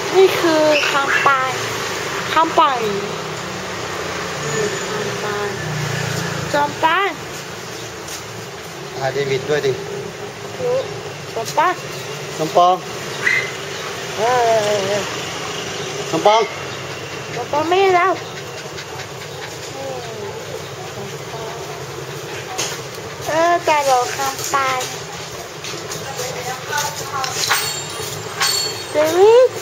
นี่คือคำปานคำปานจอมปานถ่ายเดวิดด้วยดิจอมปานน้ำปองน้ำปองจอมปานไม่แล้วแต่เราคำปานเดวิด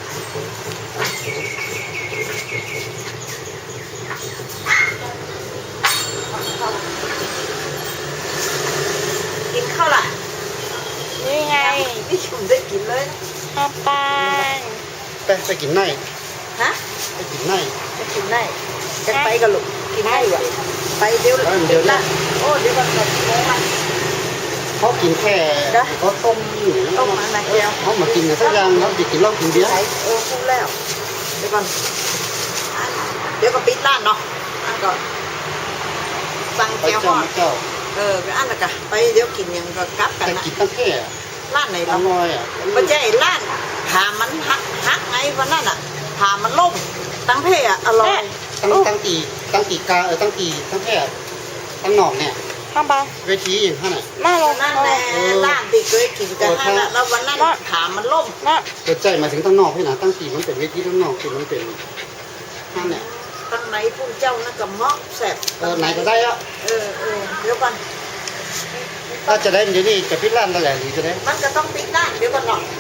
กินข้าวล่ะนี่ไงนี่ชุมได้กินเลยคำปานไปกินไหนฮะไปกินไหนไปกินไหนจะไปกันลูกกินไหนวะไปเดี๋ยวละโอ้เดี๋ยวก่อนก่อนโมงมันเขากินแค่เขาต้มมาไหนเดียวเขามากินสักอย่างเขาจะกินเหล้ากินเบียร์พูดแล้วเดี๋ยวก่อนเดี๋ยวก็ปิดร้านเนาะอันก่อนสั่งแก้วห่อไปอันละกันไปเดี๋ยวกินยังก็กลับกันนะกินตั้งแค่ร้านไหนอร่อยไม่ใช่ร้านถามมันฮักไงวันนั้นอ่ะถามมันล่มตั้งเพ่อร่อยตั้งตีตั้งแค่ตั้งหนอกเนี่ยคำปานเวทีอย่างนั้นน่ะนั่นแหละร้านติเคยกินกันแล้ววันนั้นถามมันล่มเกิดใจมาถึงตั้งนอกพี่นะตั้งตีมันเป็นเวทีตั้งนอกคือมันเป็นนั่นเนี่ยตั้งไหนผู้เจ้านั่นกับเมาะแสบไหนก็ได้อะเดี๋ยวก่อนถ้าจะได้เดี๋ยวนี้จะปิดร้านนั่นแหละหรือจะได้มันก็ต้องปิดร้านเดี๋ยวก่อนหน่อย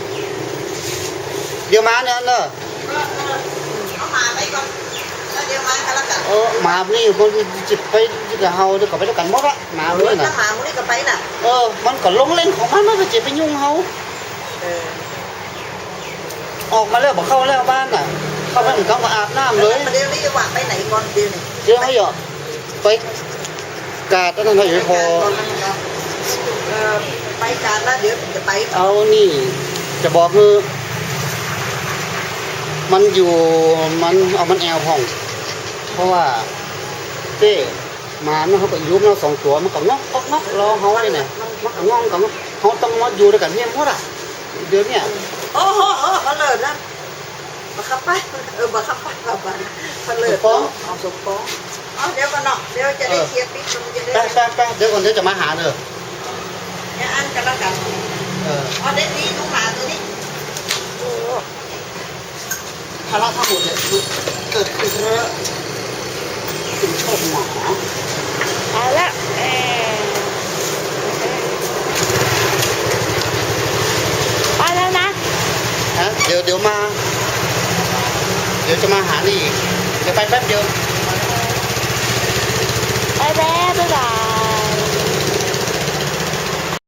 เดี๋ยวมาเนี่ยเนอะเอามาไปก่อนแล้วเดี๋ยวมากันแล้วกันมานี่มันจิบไปจะเฮาเดี๋ยวก็ไปแล้วกันหมดละมาเลยนะมาวันนี้ก็ไปน่ะมันก็ลงเล่นของมันก็จะไปยุ่งเฮาออกมาแล้วบอกเข้าแล้วบ้านน่ะเข้าไปถึงเขาก็อาบน้ำเลยเดี๋ยวนี้จะว่าไปไหนก่อนเดี๋ยวนี้เดี๋ยวให้หยอดไปกาดนั่นหน่อยพอไปกาดแล้วเดี๋ยวจะไปเอานี่จะบอกคือมันอยู่มันเอามันแอลห้องเพราะว่าเต้มาเนี่ยเขาก็ยุบเรา2 ตัวมันก็งอกรอเขาเลยเนี่ยมันก็งอกกับเขาต้องมาอยู่ด้วยกันเนี่ยหมดอ่ะเดี๋ยวนี้โอ้โหเขาเลิศนะมาขับไปมาขับไปเขาเลิศเอาสมปองเดี๋ยวก่อนเนาะเดี๋ยวจะได้เคลียร์ปิดมันจะได้ไปเดี๋ยวก่อนเดี๋ยวจะมาหาเนอะเนี่ยอันกันแล้วกันเด็ดนี้น้องหมาตัวนี้ภาระทั้งหมดเนี่ยเกิดขึ้นเพราะเป็นโชคหมาเอาละไปแล้วนะเดี๋ยวมาเดี๋ยวจะมาหานี่เดี๋ยวไปแป๊บเดียว